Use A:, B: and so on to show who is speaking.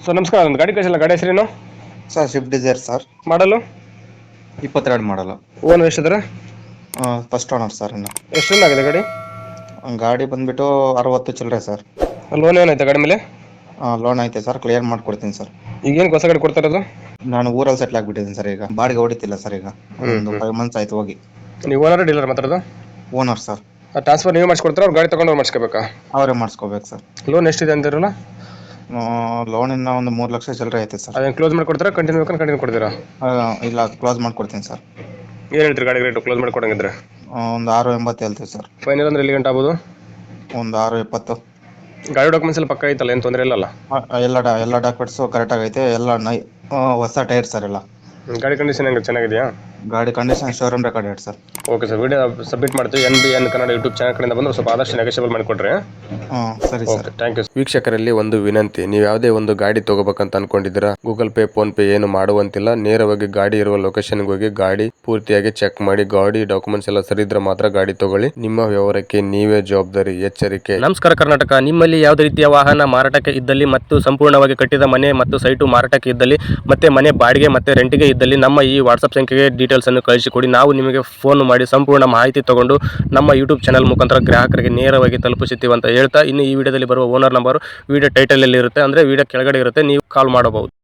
A: Sir ನಮಸ್ಕಾರ, ಒಂದು ಗಾಡಿ ಕಳಿಸಿಲ್ಲ, ಗಾಡಿ ಹೆಸರೇನು?
B: Sir Swift Dzire sir.
A: ಮಾಡಲು
B: 22 ಮಾಡಲ್ಲ.
A: ಓನರ್ ಎಷ್ಟಿದ್ರೆ?
B: First owner sir. ಇನ್ನು
A: ಎಷ್ಟು ರನ್ ಆಗಿದೆ ಗಾಡಿ?
B: ಗಾಡಿ ಬಂದ್ಬಿಟ್ಟು 60 ಚಿಲ್ಲರೆ ಸರ್.
A: ಲೋನ್ ಏನೈತೆ ಗಾಡಿ ಮೇಲೆ?
B: ಲೋನ್ ಐತೆ ಸರ್, ಕ್ಲಿಯರ್ ಮಾಡ್ಕೊಡ್ತೀನಿ ಸರ್.
A: ಈಗ ಏನು ಹೊಸ ಗಾಡಿ ಕೊಡ್ತಾ ಇರೋದು?
B: ನಾನು ಊರಲ್ಲಿ ಸೆಟ್ಲ್ ಆಗಿಬಿಟ್ಟಿದ್ದೀನಿ ಸರ್. ಈಗ ಬಾಡಿಗೆ ಹೊಡಿತಿಲ್ಲ ಸರ್. ಈಗ ಒಂದು 5 ಮಂತ್ಸ್ ಆಯ್ತು ಹೋಗಿ.
A: ನೀವು ಓನರ್ ಡೀಲರ್ ಮಾತಾಡೋದು?
B: Owner sir.
A: ಟ್ರಾನ್ಸ್ಫರ್ ನೀವು ಮಾಡಿಸ್ಕೊಡ್ತಾರೆ, ಅವ್ರು ಗಾಡಿ ತೊಗೊಂಡು ಮಾಡಿಸ್ಕೋಬೇಕಾ?
B: ಅವರೇ ಮಾಡಿಸ್ಕೋಬೇಕು ಸರ್.
A: ಲೋನ್ ಎಷ್ಟಿದೆ ಅಂತಿರಲ್ಲ?
B: ಲೋನ್ ಇನ್ನ ಒಂದು 3 ಲಕ್ಷ ಚಿಲ್ಲರೆ ಐತೆ ಸರ್.
A: ಅದೇನು ಕ್ಲೋಸ್ ಮಾಡಿಕೊಡ್ತೀರಾ, ಕಂಟಿನ್ಯೂ ಕಂಟಿನ್ಯೂ ಕೊಡ್ತೀರಾ?
B: ಇಲ್ಲ, ಕ್ಲೋಸ್ ಮಾಡ್ಕೊಡ್ತೀನಿ ಸರ್.
A: ಏನು ಹೇಳ್ತೀರಿ ಗಾಡಿ ರೇಟು ಕ್ಲೋಸ್ ಮಾಡಿಕೊಡಂಗಿದ್ರೆ?
B: ಒಂದು 6.80 ಹೇಳ್ತೀವಿ ಸರ್.
A: ಫೈನಲ್ ಅಂದ್ರೆ ಎಲ್ಲಿ ಗಂಟೆ ಆಗ್ಬೋದು?
B: ಒಂದು 6.20.
A: ಗಾಡಿ ಡಾಕ್ಯುಮೆಂಟ್ಸ್ ಎಲ್ಲ ಪಕ್ಕ ಐತಲ್ಲ, ಏನು ತೊಂದರೆ ಇಲ್ಲಲ್ಲ?
B: ಎಲ್ಲ ಡಾಕ್ಯುಮೆಂಟ್ಸು ಕರೆಕ್ಟಾಗಿ ಐತೆ. ಎಲ್ಲ ಹೊಸ ಟೈರ್ ಸರ್. ಎಲ್ಲ
A: ಗಾಡಿ ಕಂಡೀಷನ್ ಹೆಂಗೆ, ಚೆನ್ನಾಗಿದೆಯಾ?
B: ಗಾಡಿ ಕಂಡೀಷನ್ ಶೋರೂಮ್ ರೆಕಾರ್ಡ್ ಹೇಳಿ sir.
A: Okay sir, video submit ಮಾಡ್ತೀವಿ. NBN ಕನ್ನಡ ಯೂಟ್ಯೂಬ್ ಚಾನಲ್ ಕಡೆಯಿಂದ ಬಂದು ಸ್ವಲ್ಪ ಆದಷ್ಟು ನೆಗೋಷಿಯಬಲ್ ಮಾಡಿಕೊಡ್ರಿ.
B: ಸರಿ ಸರ್.
A: Thank you. ವೀಕ್ಷಕರಲ್ಲಿ ಒಂದು ವಿನಂತಿ, ನೀವು ಯಾವುದೇ ಒಂದು ಗಾಡಿ ತಗೋಬೇಕಂತ ಅನ್ಕೊಂಡಿದ್ದೀರಾ, ಗೂಗಲ್ ಪೇ ಫೋನ್ ಪೇ ಏನು ಮಾಡುವಂತಿಲ್ಲ. ನೇರವಾಗಿ ಗಾಡಿ ಇರುವ ಲೊಕೇಶನ್ಗೆ ಹೋಗಿ ಗಾಡಿ ಪೂರ್ತಿಯಾಗಿ ಚೆಕ್ ಮಾಡಿ, ಗಾಡಿ ಡಾಕ್ಯುಮೆಂಟ್ಸ್ ಎಲ್ಲ ಸರಿ ಇದ್ರೆ ಮಾತ್ರ ಗಾಡಿ ತಗೊಳ್ಳಿ. ನಿಮ್ಮ ವ್ಯವಹಾರಕ್ಕೆ ನೀವೇ ಜವಾಬ್ದಾರಿ. ಎಚ್ಚರಿಕೆ. ನಮಸ್ಕಾರ ಕರ್ನಾಟಕ. ನಿಮ್ಮಲ್ಲಿ ಯಾವುದೇ ರೀತಿಯ ವಾಹನ ಮಾರಾಟಕ್ಕೆ ಇದ್ದಲ್ಲಿ ಮತ್ತು ಸಂಪೂರ್ಣವಾಗಿ ಕಟ್ಟಿದ ಮನೆ ಮತ್ತು ಸೈಟು ಮಾರಾಟಕ್ಕೆ ಇದ್ದಲ್ಲಿ ಮತ್ತೆ ಮನೆ ಬಾಡಿಗೆ ಮತ್ತೆ ರೆಂಟಿಗೆ ಇದ್ದಲ್ಲಿ ನಮ್ಮ ಈ ವಾಟ್ಸ್ಆಪ್ ಸಂಖ್ಯೆಗೆ ಡೀಟೇಲ್ಸ್ ಅನ್ನು ಕಳಿಸಿಕೊಡಿ. ನಾವು ನಿಮಗೆ ಫೋನ್ ಮಾಡಿ ಸಂಪೂರ್ಣ ಮಾಹಿತಿ ತಗೊಂಡು ನಮ್ಮ ಯೂಟ್ಯೂಬ್ ಚಾನಲ್ ಮುಖಾಂತರ ಗ್ರಾಹಕರಿಗೆ ನೇರವಾಗಿ ತಲುಪಿಸುತ್ತೀವಿ ಅಂತ ಹೇಳ್ತಾ, ಇನ್ನು ಈ ವಿಡಿಯೋದಲ್ಲಿ ಬರುವ ಓನರ್ ನಂಬರ್ ವಿಡಿಯೋ ಟೈಟಲ್ ಅಲ್ಲಿ ಇರುತ್ತೆ, ಅಂದ್ರೆ ವಿಡಿಯೋ ಕೆಳಗಡೆ ಇರುತ್ತೆ, ನೀವು ಕಾಲ್ ಮಾಡಬಹುದು.